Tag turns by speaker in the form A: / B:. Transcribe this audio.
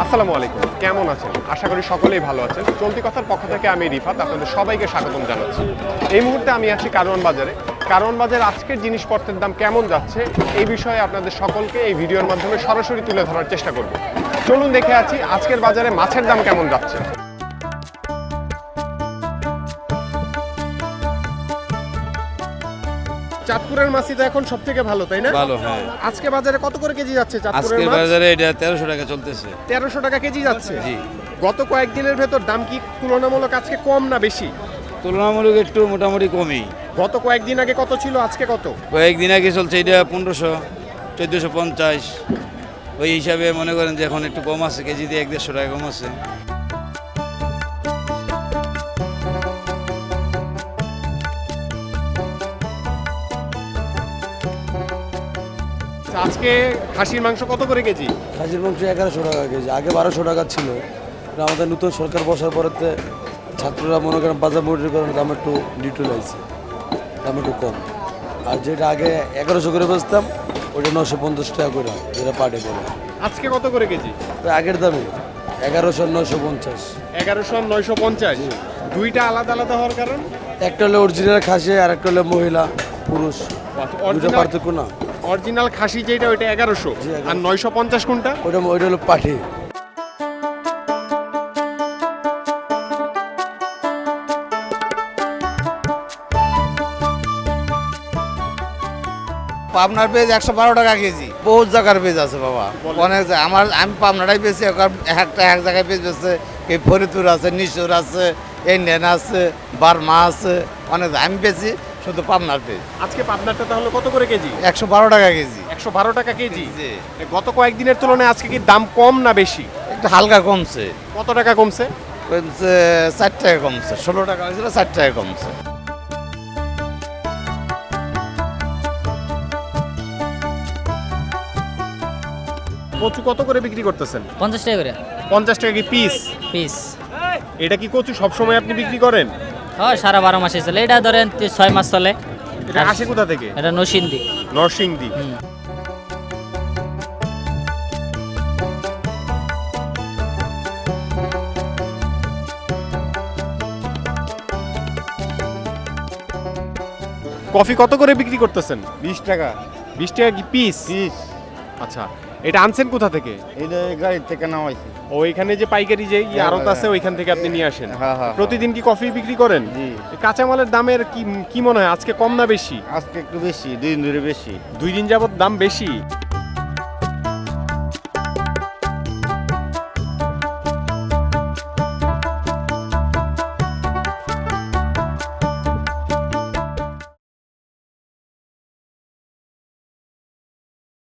A: আসসালামু আলাইকুম, কেমন আছেন? আশা করি সকলেই ভালো আছেন। চলতি কথার পক্ষ থেকে আমি রিফাত আপনাদের সবাইকে স্বাগতম জানাচ্ছি। এই মুহূর্তে আমি আছি কারওয়ান বাজারে। কারওয়ান বাজারে আজকের জিনিসপত্রের দাম কেমন যাচ্ছে এই বিষয়ে আপনাদের সকলকে এই ভিডিওর মাধ্যমে সরাসরি তুলে ধরার চেষ্টা করব। চলুন দেখে আছি আজকের বাজারে মাছের দাম কেমন যাচ্ছে। চাঁদপুরের মাছই তো এখন সব থেকে ভালো, তাই না?
B: ভালো, হ্যাঁ।
A: আজকে বাজারে কত করে কেজি যাচ্ছে চাঁদপুরের
B: আজকে
A: মাছ?
B: বাজারে এটা 1300 টাকা চলতেছে।
A: 1300 টাকা কেজি যাচ্ছে।
B: জি।
A: গত কয়েকদিনের ভেতর দাম কি তুলনামূলক আজকে কম না বেশি?
B: তুলনামূলক একটু মোটামুটি কমই।
A: গত কয়েকদিন আগে কত ছিল, আজকে কত?
B: কয়েকদিন আগে চলছে এটা 1500, 1450। ওই হিসাবে মনে করেন যে এখন একটু কম আছে, কেজিতে 150 টাকা কম আছে।
A: আজকে খাসির মাংস কত করে কেজি?
C: খাসির মাংস 1100 টাকা কেজি, আগে 1200 টাকা ছিল। কিন্তু আমাদের নতুন সরকার বসার পরেতে ছাত্ররা মনে করেন বাজার মজুরি করার দাম একটু ডিটেল আছে, দাম একটু কম। আর যেটা আগে 1100 করে বেচতাম ওটা 950 টাকা করে, যেটা পাটে করে।
A: আজকে কত করে কেজি?
C: তো আগের দামে 1100 950।
A: 1100 আর 950। দুইটা আলাদা আলাদা হওয়ার কারণ?
C: একটা হলো অরিজিনাল খাসি আর একটা হলো মহিলা পুরুষ, দুটো পার্থক্য না।
A: অরিজিনাল খাসি যেটা ওইটা 1100
C: জি, 1100
A: আর 950 কোনটা?
C: ওইটা হলো পাঠি।
D: পাবনার পেঁয়াজ 112 টাকা কেজি। বহুত জায়গার পেঁয়াজ আছে বাবা, অনেক আমি পাবনাটাই বেশি, একটা এক জায়গায় পেঁয়াজ বেছে। এই ফরিদপুর আছে, নিশোর আছে, ইন্ডিয়ান আছে, বার্মা আছে, অনেক। আমি বেশি শুধু পাবনার পেঁয়াজ।
A: আজকে পাবনারটা তাহলে কত করে কেজি?
D: 112 টাকা কেজি।
A: 112 টাকা কেজি।
D: জি।
A: গত কয়েকদিনের তুলনায় আজকে কি দাম কম না বেশি?
D: একটু হালকা কমছে।
A: কত টাকা কমছে?
D: কমছে 4 টাকা কমছে। 16 টাকা হয়েছিল, 4 টাকা কমছে।
A: কচু কত করে বিক্রি করতেছেন?
E: 50 টাকা করে
A: 50 টাকা কি পিস?
E: পিস।
A: এটা কি কচু সবসময় আপনি বিক্রি করেন?
E: হয়, সারা 12 মাসে চলে। এটা ধরেন 6 মাস চলে।
A: এটা আসে কোথা থেকে?
E: এটা নরসিংদী।
A: নরসিংদী। কফি কত করে বিক্রি করতেছেন?
F: 20 টাকা
A: 20 টাকা কি পিস?
F: পিস।
A: আচ্ছা, এটা আনছেন কোথা থেকে?
F: এটা গাড়ির থেকে নামাইছি।
A: ও এখানে যে পাইকারি যে
F: হ্যাঁ,
A: আড়ত আছে
F: হ্যাঁ।
A: ওইখান থেকে আপনি নিয়ে আসেন।
F: হ্যাঁ, হ্যাঁ,
A: প্রতিদিন কি কফি বিক্রি করেন?
F: জি।
A: কাঁচামালের দামের কি মনে হয় আজকে কম না বেশি?
F: আজকে একটু বেশি, 2 দিন ধরে বেশি।
A: 2 দিন যাবত দাম বেশি।